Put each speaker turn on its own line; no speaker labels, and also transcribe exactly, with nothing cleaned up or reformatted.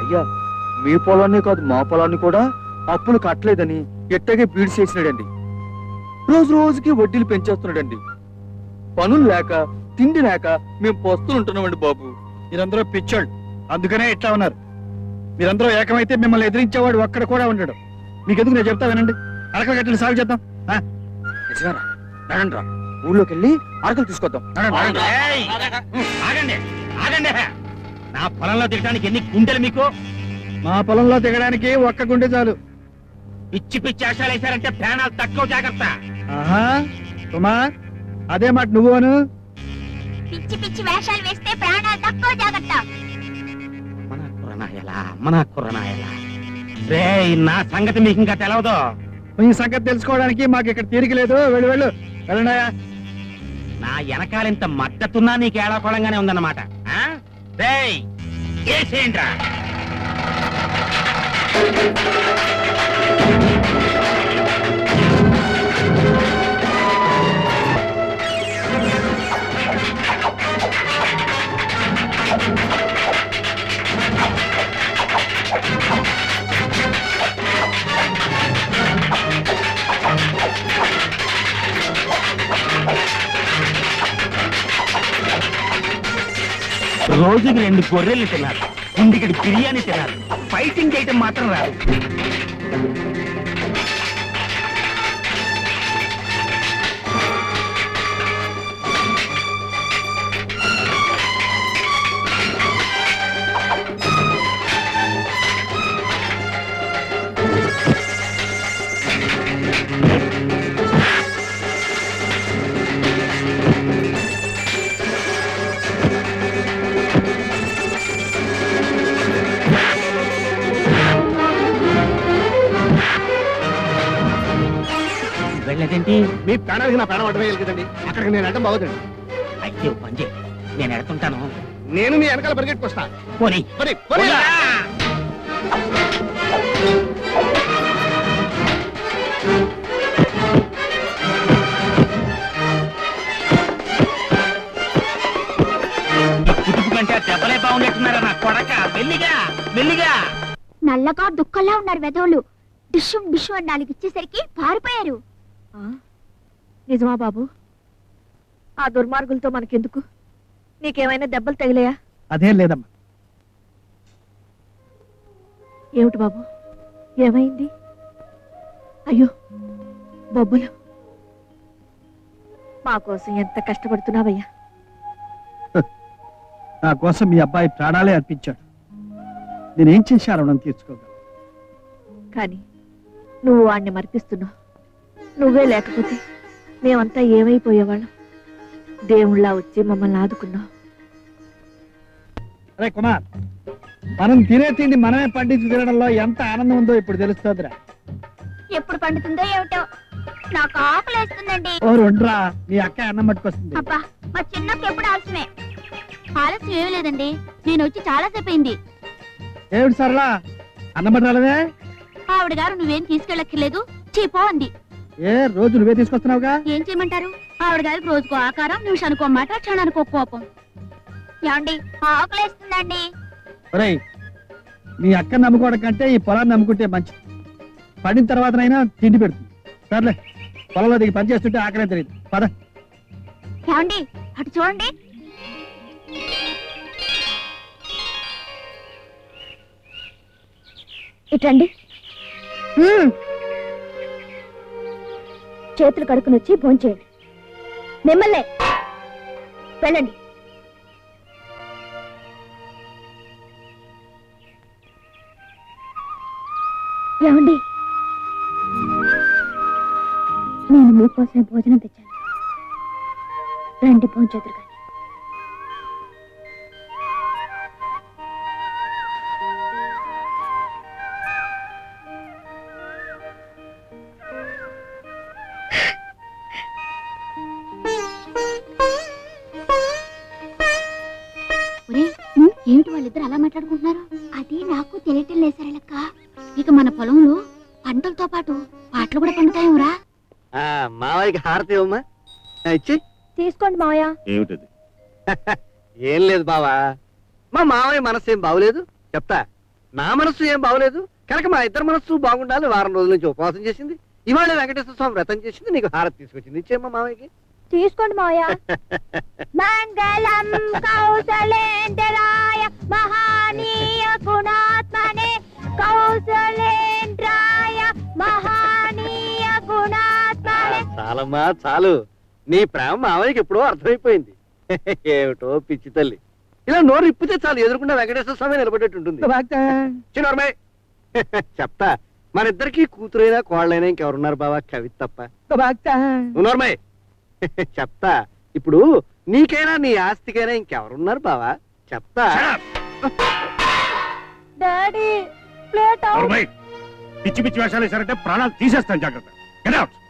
అయ్యా మీ పొలాన్ని కాదు మా పొలాన్ని కూడా అప్పులు కట్టలేదని ఎట్టగే బీడు చేసినాడండి. రోజు రోజుకి వడ్డీలు పెంచేస్తున్నాడండి. పనులు లేక తిండి లేక మేము పస్తులు ఉంటున్నామండి బాబు.
మీరందరూ పిచ్చోళ్ళు, అందుకనే ఇట్లా ఉన్నారు. మీరందరూ ఏకమైతే మిమ్మల్ని ఎదిరించేవాడు ఒక్కడ కూడా ఉండడు. మీకెందుకు నేను చెప్తా వినండి. అరకలు గట్టిని సాగు చేద్దాం.
నిజమేరా, రండి రా, ఊళ్ళోకి వెళ్ళి అరకలు తీసుకొద్దాం.
ఆగండి ఆగండి, నా పొలంలో దిగడానికి ఎన్ని గుండెలు మీకు?
మా పొలంలో దిగడానికి ఒక్క గుండె చాలు.
పిచ్చి పిచ్చి ఆశాలు వేశారంటే ప్రాణాలు తక్కువ. జాగ్రత్త.
ఆహా కుమార్, అదే మాట నువ్వును.
పిచ్చి పిచ్చి వేషాలు వేస్తే ప్రాణాలు తక్కువ. జాగ్రత్త.
మన కుర్రనాయలా మన కుర్రనాయలా రే, నా సంగతి మీకు ఇంకా తెలవదు.
ఈ సంగతి తెలుసుకోవడానికి మాకు ఇక్కడ తీరిక లేదు. వెళ్ళు వెళ్ళు వెళ్ళండాయా.
నా వెనకాలింత మద్దతున్నా నీకు ఏడాకోళంగానే ఉందన్నమాట. రేయ్ ఏసేంట్రా. రోజుకి రెండు గొర్రెలు తిన్నారు, ఇంటికి బిర్యానీ తిన్నారు, ఫైటింగ్ చేయటం మాత్రం రాదు. వెళ్ళదేంటి?
మీ ప్రాణానికి నా ప్రాణం అడ్డమే కదండి. అక్కడికి నేను అడ్డం బాగుందండి.
అయ్యో పంజే, నేను ఎడుతుంటాను.
నేను మీ వెనకాల పరిగెట్టుకొస్తా.
పోనీ
పోనీ, పోనీ.
కుటుంబ కంటే దెబ్బలే బాగున్నట్టున్నారా నా కొడక. మెల్లిగా మెల్లిగా.
నల్లగా దుఃఖంలా ఉన్నారు వెధవులు. డిషుం డిషు అని నాలుగు ఇచ్చేసరికి పారిపోయారు.
నిజమా బాబు? ఆ దుర్మార్గులతో మనకెందుకు? నీకేమైనా దెబ్బలు తగిలాయా?
అదేం లేదమ్మా.
ఏమిటి బాబు, ఏమైంది? అయ్యో బొబ్బులు, మా కోసం ఎంత కష్టపడుతున్నావయ్యా.
నా కోసం మీ అబ్బాయి ప్రాణాలే అర్పించాడు. నేనేం చేశాను నన్ను తీర్చుకోగలను.
కానీ నువ్వు వాణ్ణి మర్పిస్తున్నావు. నువ్వే లేకపోతే మేమంతా ఏమైపోయేవాళ్ళం. దేవుళ్ళ వచ్చి మమ్మల్ని ఆదుకున్నావు.
అరే కుమార్, మనం తినే తిండి మనమే పండించి తినడంలో ఎంత ఆనందం ఉందో ఇప్పుడు తెలుస్తుందిరా.
ఎప్పుడు పండుతుందో ఏమిటో, నాకు ఆకలి వేస్తుందండి.
ఓ రెండ్రా, మీ అక్క అన్నం పట్టుకొస్తుంది.
అబ్బా, మా చిన్నకి ఎప్పుడు ఆలస్యమే. ఆలస్యం ఏమీ లేదండి, నేను వచ్చి చాలా సేపు అయింది.
ఏమిటి సరళా, అన్నం పట్టాలదే?
ఆవిడ గారు నువ్వేం తీసుకెళ్ళక్కర్లేదు, చీపో అంది.
ఏ రోజు నువ్వే తీసుకొస్తున్నావుగా.
ఏం చేయమంటారు? ఆవిడ గారికి రోజుకో ఆకారం, నిమిషానికో మాట, క్షణానికో కోపం. ఏమండి, ఆకలేస్తుందండి.
ఒరేయ్, మీ అక్కని నమ్ముకోవడం కంటే ఈ పొలాన్ని నమ్ముకుంటే మంచిది. పడిన తర్వాతనైనా తిండి పెడుతుంది. సర్లే, పొలంలో దిగి పని చేస్తుంటే ఆకలే తెలియదు. పద.
ఏమండి, అటు చూడండి. ఇటండి. చేతులు కడుక్కుని వచ్చి భోంచేయండి. మిమ్మల్నే వెళ్ళండి. ఏమండి, నేను మీకోసమే భోజనం తెచ్చాను. రండి భోంచేతురు కానీ. ఏమిటి వాళ్ళిద్దరు అలా మాట్లాడుకుంటున్నారు? అది నాకు తెలియటం లేదు సరళక్క. ఇక మన పొలంలో పంటలతో పాటు పాటలు కూడా పండుతాయేమరా?
మావయ్యకి హారతి ఇవ్వమ్మా. ఇచ్చి
తీసుకోండి మావయ్య.
ఏమిటది? ఏం లేదు బావా, మా మావయ్య మనసేం బాగులేదు చెప్తా. నా మనస్సు ఏం బాగోలేదు కనుక మా ఇద్దరు మనస్సు బాగుండాలి వారం రోజుల నుంచి ఉపవాసం చేసింది ఇవాళ వెంకటేశ్వర స్వామి వ్రతం చేసింది నీకు హారతి తీసుకొచ్చింది ఇచ్చేమ్మా మామయ్యకి
తీసుకోండి మావయ్య మంగళం కౌసలేంద్రాయ మహానీయ గుణాత్మనే కౌసలేంద్రాయ మహానీయ
ఆ,
గుణాత్మనే
చాలమ్మా చాలు నీ ప్రేమ మామయ్యకి ఎప్పుడో అర్థమైపోయింది ఏమిటో పిచ్చి తల్లి ఇలా నోరు ఇప్పితే చాలు ఎదురుకుండా వెంకటేశ్వర స్వామి నిలబడేట్టు ఉంటుంది చిన్నమ్మాయి చెప్తా మన ఇద్దరికి కూతురైనా కోళ్ళైనా ఇంకెవరున్నారు బావా కవి తప్ప నువ్వు నోర్మయ్ చెప్తా ఇప్పుడు నీకైనా నీ ఆస్తికైనా ఇంకెవరున్నారు బావా చెప్తా
డాడీ ప్లేట్
పిచ్చి పిచ్చి వేషాలు వేశారంటే ప్రాణాలు తీసేస్తాను జాగ్రత్త Get out.